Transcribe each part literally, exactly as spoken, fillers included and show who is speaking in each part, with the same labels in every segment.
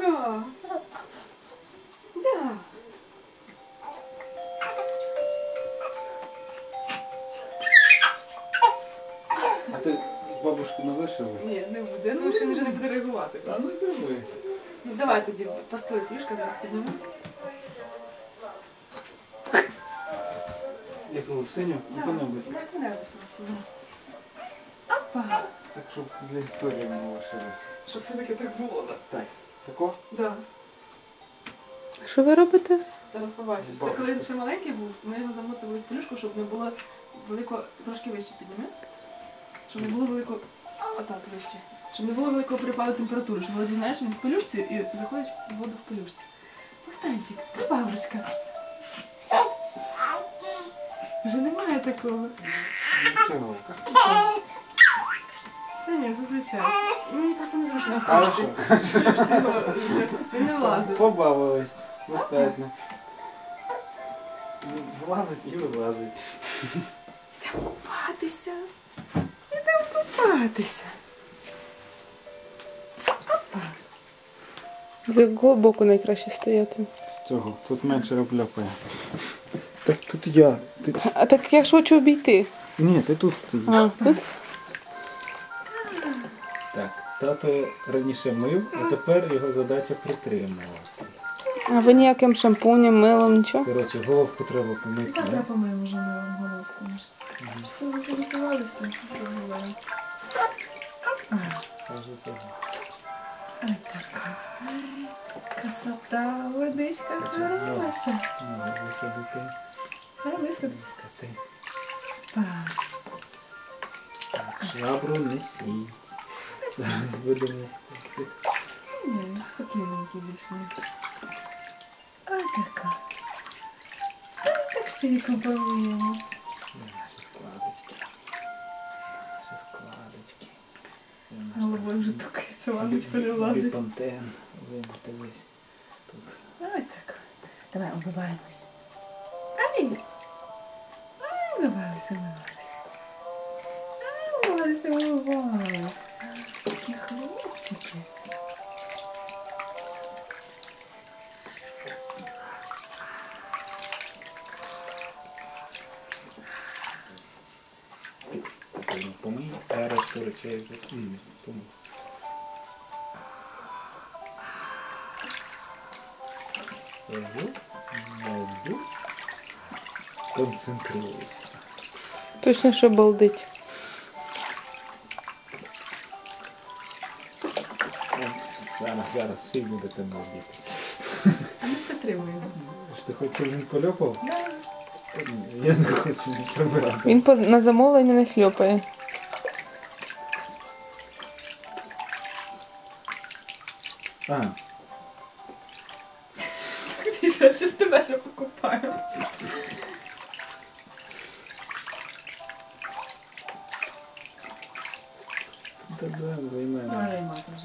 Speaker 1: Ага. Да.
Speaker 2: А ти бабушку не вишила?
Speaker 1: Ні, не буде. Я думаю, що він вже не буде реагувати.
Speaker 2: А ну це ви.
Speaker 1: Ну давай тоді, постель фішка, зараз підніму.
Speaker 2: Яку синю? Яку-небудь.
Speaker 1: Яку-небудь просто. Опа.
Speaker 2: Так, щоб для історії не лишилось.
Speaker 1: Щоб все-таки так було.
Speaker 2: Так. Тако?
Speaker 1: Да.
Speaker 3: Що ви робите?
Speaker 1: Зараз побачиш. Це коли він ще маленький був, ми його замотили в пелюшку, щоб не було велико, трошки вище підніми. Щоб не було великого, отак вище. Щоб не було великого припаду температури, щоб вроді, знаєш, він в пелюшці і заходить в воду в пелюшці. Богданчик, ти бабушка. Вже немає такого.
Speaker 2: Широка.
Speaker 1: Та ні, зазвичай. Мені просто незручно в
Speaker 2: А
Speaker 1: пелюшці. В пелюшці його він не влазить.
Speaker 2: Побавились. Достатньо. Влазить і вилазить.
Speaker 1: Йдемо купатися. Йдемо купатися.
Speaker 3: З якого боку найкраще стояти?
Speaker 2: З цього. Тут менше роблякає. Так тут я. Ти...
Speaker 3: А так я ж хочу обійти.
Speaker 2: Ні, ти тут стоїш.
Speaker 3: А, тут?
Speaker 2: Так, тато раніше мив, а тепер його задача притримувати.
Speaker 3: А ви ніяким шампунем, милом, нічого?
Speaker 2: Коротше, головку треба помити.
Speaker 1: Завтра
Speaker 2: Да?
Speaker 1: помиємо вже милом головку. Що ви залікувалися?
Speaker 2: Каже, того.
Speaker 1: Ай, така. Красота, водичка хороша.
Speaker 2: Ну, висадити.
Speaker 1: Ай, висадити.
Speaker 2: Вискати.
Speaker 1: Так.
Speaker 2: Так, швабру несіть. Зараз будемо.
Speaker 1: Ні, спокійненький більше. Ай, така. Ай, так шийку помиємо.
Speaker 2: Наші складочки. Наші складочки.
Speaker 1: Головою вже стукається, лампочка не влазить.
Speaker 2: Біпантен. Вимити весь. Тут.
Speaker 1: Ай, так. Давай, умиваємось. Ай! Ай, умивалися, умивалися. Ай, умивалися, умивалися. Такі хлопчики.
Speaker 2: Помий, а решту речей вже помив. Ого, ого. Концентрується.
Speaker 3: Точно, що балдить.
Speaker 2: Зараз, зараз всі будете балдіти.
Speaker 1: А ми підтримуємо.
Speaker 2: Що ти хочеш, щоб він польопав? Я не хочу не прибирати.
Speaker 3: Він по- на замовлення не хльопає.
Speaker 2: А,
Speaker 1: Ти що, ще з тебе ще покупаю.
Speaker 2: та да, займаємо.
Speaker 1: Давай, мати вже.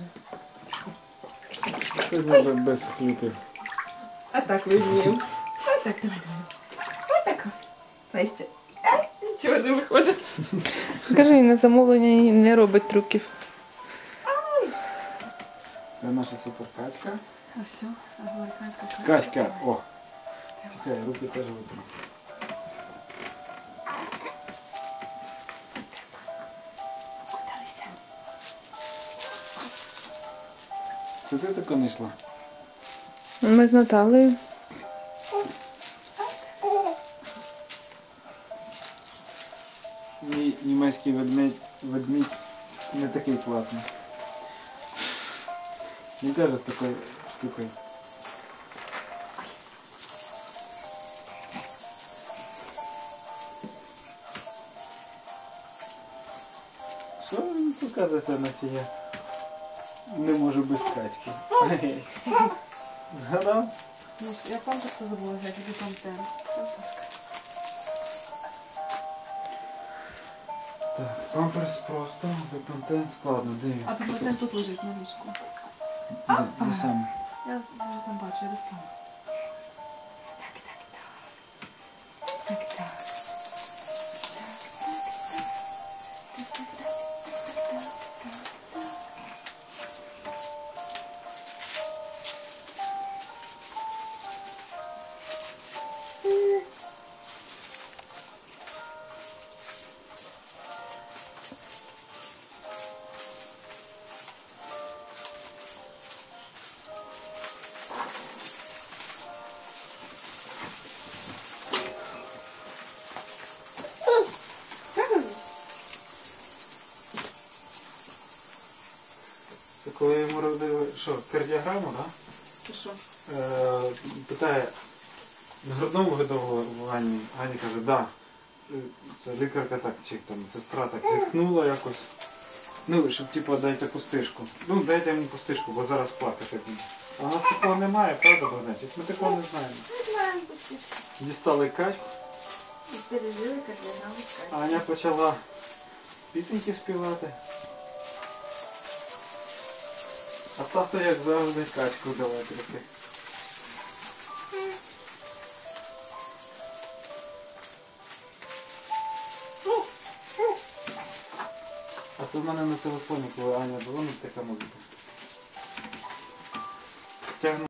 Speaker 2: Це треба без хлюпів.
Speaker 1: А так виймів. А так, давай, давай. А так. Настя. Ай, нічого не виходить.
Speaker 3: Скажи, він на замовлення не робить трюків.
Speaker 2: Це наша суперкачка.
Speaker 1: А все, американська
Speaker 2: Качка, о! Чекай, руки теж витру.
Speaker 1: Кудалися.
Speaker 2: Це ти тако не йшла?
Speaker 3: Ми з Наталею.
Speaker 2: Мій німецький ведмідь, ведмідь не такий класний. Він теж з такою штукою. Що він показується, наче я не можу без качки? Ай. Згадав?
Speaker 1: Ну, я памперси забула взяти, який там тен.
Speaker 2: Так, памперс просто, випантен складно, де він?
Speaker 1: А папатен тут лежить на ліжку.
Speaker 2: Де, де саме?
Speaker 1: Я зараз там бачу, я достану. Так, так, так. Так, так.
Speaker 2: Це коли йому робили, що, кардіограму, так?
Speaker 1: Ти що?
Speaker 2: Е, питає, на грудному видовуванні, Аня каже, да. Це лікарка так, чи там, сестра так зітхнула якось. Ну, щоб типу дайте пустишку. Ну, дайте йому пустишку, бо зараз плакати буде. А у нас такого немає, правда, Богданчик? Ми такого не знаємо.
Speaker 1: Не знаємо пустишки.
Speaker 2: Дістали качку,
Speaker 1: І пережили кардіограму з
Speaker 2: а Аня почала пісеньки співати. А тато, як завжди, качку давай трохи. А це в мене на телефоні, коли Аня дзвонить, така музика. Тягну